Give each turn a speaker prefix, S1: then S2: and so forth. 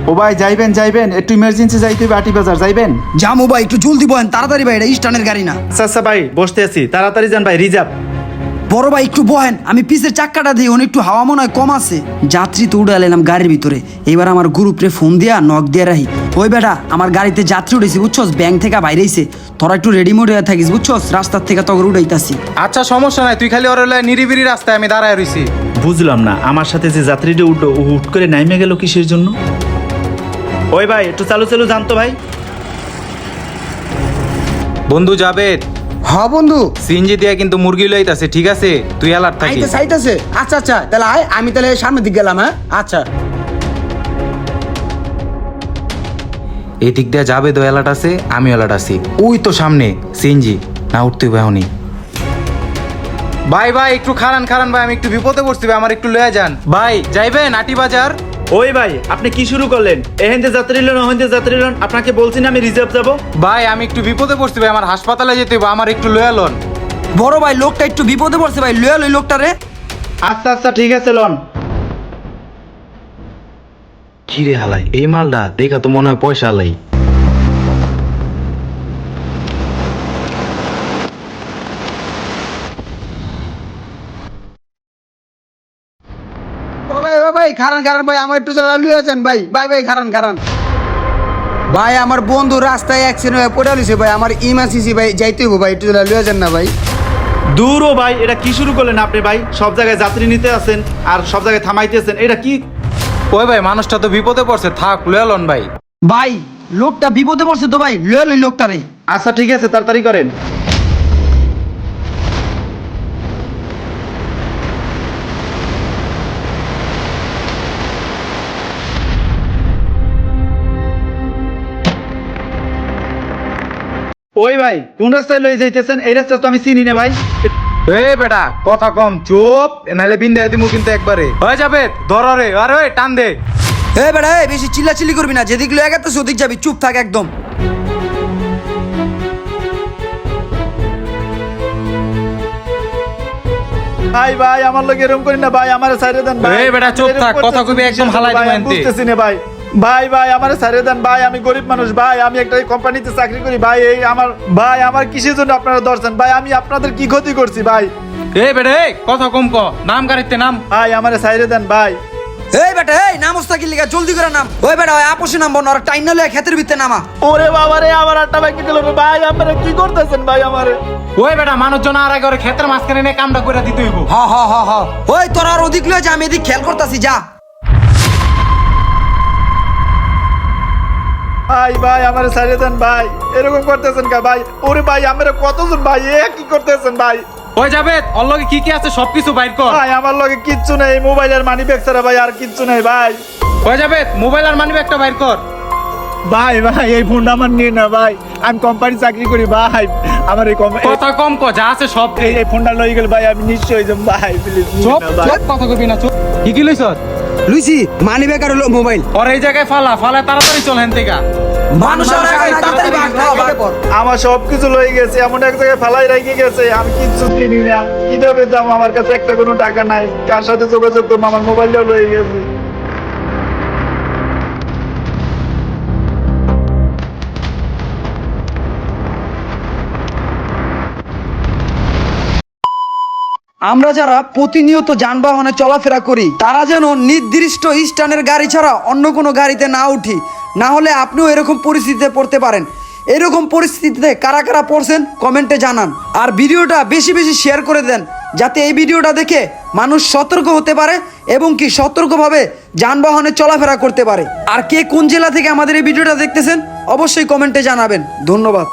S1: ও ভাই যাইবেন যাইবেন, একটু ইমার্জেন্সি যাইতে হবে আটি বাজার, যাইবেন?
S2: জামু ভাই একটু জলদি বলেন, তাড়াতাড়ি ভাই, এটা স্টানের গাড়ি না।
S1: আচ্ছা ভাই বসতে আছি, তাড়াতাড়ি যান ভাই, রিজার্ভ।
S2: বড় ভাই একটু বহেন, আমি পিছের চাক্কাটা দিই, একটু হাওয়া মনে হয় কম আছে। যাত্রী তো উঠে এলাম গাড়ির ভিতরে, এবার আমার গ্রুপরে ফোন দিয়া নক দিয়ে রাখি। ওই বেটা আমার গাড়িতে যাত্রী উঠেছি বুঝছস, ব্যাংক থেকে বাইরেছে, তোরা একটু রেডিমেড হয়ে থাকিস বুঝছস, রাস্তার থেকে তখন উঠাইতাছি।
S3: আচ্ছা সমস্যা নাই, তুই খালি ওর নিরিবিরি রাস্তায় আমি দাঁড়ায় রইছি।
S1: বুঝলাম না, আমার সাথে যে যাত্রীটা উঠলো ও হুট করে নাইমে গেল কিসের জন্য? ওই ভাই একটু চালু চালু জানতো ভাই।
S3: বন্ধু জাবেদ,
S4: হ্যাঁ বন্ধু,
S3: সিএনজি দিয়া কিন্তু মুরগি লইতাছে, ঠিক আছে? তুই অ্যালার্ট থাকিস।
S4: আইতাছে। আচ্ছা আচ্ছা, তাহলে আয়, আমি তাহলে সামনের দিক গেলাম। হ্যাঁ আচ্ছা।
S3: এই দিক দিয়ে জাবেদ অ্যালার্ট আছে, আমি অ্যালার্ট আছি। ওই তো সামনে সিএনজি, না উঠতে হবে এখনই। ভাই ভাই একটু খারান ভাই, আমি একটু বিপদে পড়ছি ভাই, আমার একটু লয়ে যান ভাই। যাইবেন আটি বাজার?
S1: ওই ভাই আপনি কি শুরু করলেন? এহেন্তে যাত্রী লন ওহেন্তে যাত্রী লন, আপনাকে বলছি না আমি রিজার্ভ যাব।
S3: ভাই আমি একটু বিপদে পড়ছি ভাই, আমার হাসপাতালে যেতে হবে, আমার একটু লয়ে লন।
S2: বড় ভাই লোকটা একটু বিপদে পড়ছে ভাই, লয়ে লই লোকটা রে।
S1: আচ্ছা আচ্ছা ঠিক আছে লন।
S3: কি রে হালাই, এই মালটা দেখা তো মনে হয় পয়সা হালাই।
S4: ভাই খারান ভাই, আমার একটু লুয়ে যান ভাই। ভাই খারান ভাই, আমার বন্ধু রাস্তায় অ্যাক্সিডেন্ট হয়ে পড়ে লিছে ভাই, আমার ইমার্জেন্সি ভাই যাইতে হবো ভাই, একটু লুয়ে যান না ভাই।
S1: দূর ও ভাই, এটা কি শুরু করলেন আপনি ভাই? সব জায়গায় যাত্রী নিতে আছেন আর সব জায়গায় থামাইতেছেন, এটা কি?
S3: ওই ভাই মানুষটা তো বিপদে পড়ছে, থাক লয়ে লন ভাই।
S2: ভাই লোকটা বিপদে পড়ছে তো ভাই, লয়ে লই লোকটা রে।
S1: আচ্ছা ঠিক আছে তাড়াতাড়ি করেন। ওই ভাই কোন রাস্তায় লয়ে যাইতেছেন? এই রাস্তা তো আমি চিনি না ভাই।
S3: এ বেটা কথা কম, চুপ, নাহলে বিন্দা দিমু কিন্তু একবারে। হয়ে যাবে ধরে, আরে ওই টান দে।
S2: এ বেটা এই বেশি চিল্লাচিল্লি করবি না, যেদিক লয়ে গেছিস ওদিক যাবি, চুপ থাক একদম।
S1: ভাই ভাই আমার লগে এরকম করেন না ভাই, আমারে ছাইরে দেন ভাই।
S3: এই বেটা চুপ থাক, কথা কইবি একদম হালাই দিমু এনতে।
S1: বুঝতেছি না ভাই। ভাই আমারে ছাইরে দেন ভাই, আমি গরিব মানুষ ভাই, আমি একটা কোম্পানিতে চাকরি করি ভাই। এই আমার কিসের জন্য আপনারা ধরছেন ভাই? আমি আপনাদের কি ক্ষতি করছি ভাই?
S3: এই বেটা এই কথা কম ক, নাম গাড়িতে নাম।
S1: ভাই আমারে ছাইরে দেন ভাই।
S2: এই বেটা এই নাম ওস্তাকির লিগা জলদি করে নাম। ওই বেটা ওই আপোষে নাম বন, আর টাইম না লয়ে ক্ষেতের ভিতরে নামা।
S1: ওরে বাবা রে, আমার আটটা বাইকে গেল রে ভাই, আপনারা কি করতেছেন ভাই আমারে?
S3: ওই বেটা মানুষজন আর আগে ওরে ক্ষেতের মাঝখানে নিয়ে কামটা করে দিতে হইব।
S2: হ ওই তোর আর ওদিক লয়ে যা, আমি এদিক খেয়াল করতাছি, যা।
S1: ভাই আমারে ছাইরে দেন ভাই, এরকম করতেছেন কা ভাই? ওরে ভাই আমরা কতজন ভাই, কি করতেছেন ভাই?
S3: ওই যাবে ওর লগে কি কি আছে সবকিছু বাইর কর।
S1: ভাই আমার লগে কিচ্ছু নেই, মোবাইলের মানি ব্যাগ ছাড়া ভাই আর কিচ্ছু নেই ভাই।
S3: ওই যাবে মোবাইল আর মানি ব্যাগটা বাইর কর।
S1: ভাই এই ফোনটা আমার নিয়ে না ভাই, আমি কোম্পানি চাকরি করি ভাই, আমার এই
S3: কথা কম ক, যা আছে সব দে।
S1: এই ফোনটা লই গেল ভাই, আমি নিশ্চয় হয়ে যাব ভাই, প্লিজ
S3: চুপ চুপ, কথা কইবি না, চুপ। কি লইছ?
S4: লুইছি মানি ব্যাগ আর মোবাইল।
S3: ওর এই জায়গায় ফালা তাড়াতাড়ি চল হেন থেকে।
S2: মানুষের আগে তাড়াতাড়ি ভাগ, ভাগ কর।
S1: আমার সবকিছু লই গেছে, এমন এক জায়গায় ফেলাই রেখে গেছে, আমি কিচ্ছু চিনি না, কিভাবে যাবো? আমার কাছে একটা কোনো টাকা নাই, কার সাথে যোগাযোগ করবো? আমার মোবাইলটাও লই গেছে।
S2: আমরা যারা প্রতিনিয়ত যানবাহনে চলাফেরা করি তারা যেন নির্দিষ্ট স্ট্যান্ডের গাড়ি ছাড়া অন্য কোনো গাড়িতে না উঠি, না হলে আপনিও এরকম পরিস্থিতিতে পড়তে পারেন। এরকম পরিস্থিতিতে কারা কারা পড়ছেন কমেন্টে জানান, আর ভিডিওটা বেশি বেশি শেয়ার করে দেন, যাতে এই ভিডিওটা দেখে মানুষ সতর্ক হতে পারে এবং কি সতর্কভাবে যানবাহনে চলাফেরা করতে পারে। আর কে কোন জেলা থেকে আমাদের এই ভিডিওটা দেখতেছেন অবশ্যই কমেন্টে জানাবেন। ধন্যবাদ।